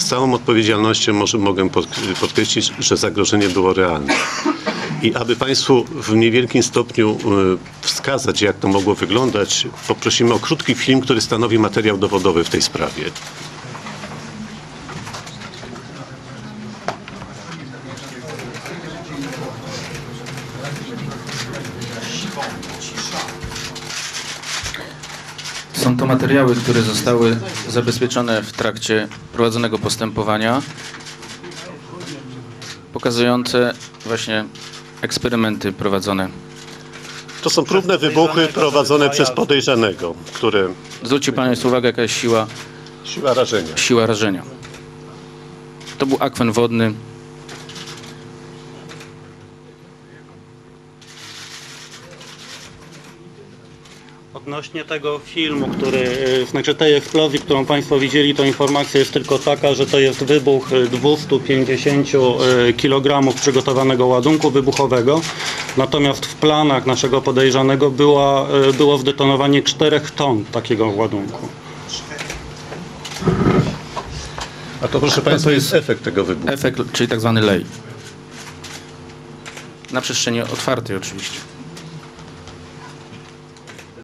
z całą odpowiedzialnością mogę podkreślić, że zagrożenie było realne. I aby Państwu w niewielkim stopniu wskazać, jak to mogło wyglądać, poprosimy o krótki film, który stanowi materiał dowodowy w tej sprawie. Są to materiały, które zostały zabezpieczone w trakcie prowadzonego postępowania, pokazujące właśnie eksperymenty prowadzone. To są próbne wybuchy prowadzone przez podejrzanego, które... Zwróćcie Państwo uwagę, jaka jest Siła rażenia. siła rażenia. To był akwen wodny. Odnośnie tego filmu, znaczy tej eksplozji, którą Państwo widzieli, to informacja jest tylko taka, że to jest wybuch 250 kg przygotowanego ładunku wybuchowego. Natomiast w planach naszego podejrzanego było zdetonowanie 4 ton takiego ładunku. A to, proszę Państwa, jest efekt tego wybuchu. Efekt, czyli tak zwany lej. Na przestrzeni otwartej oczywiście.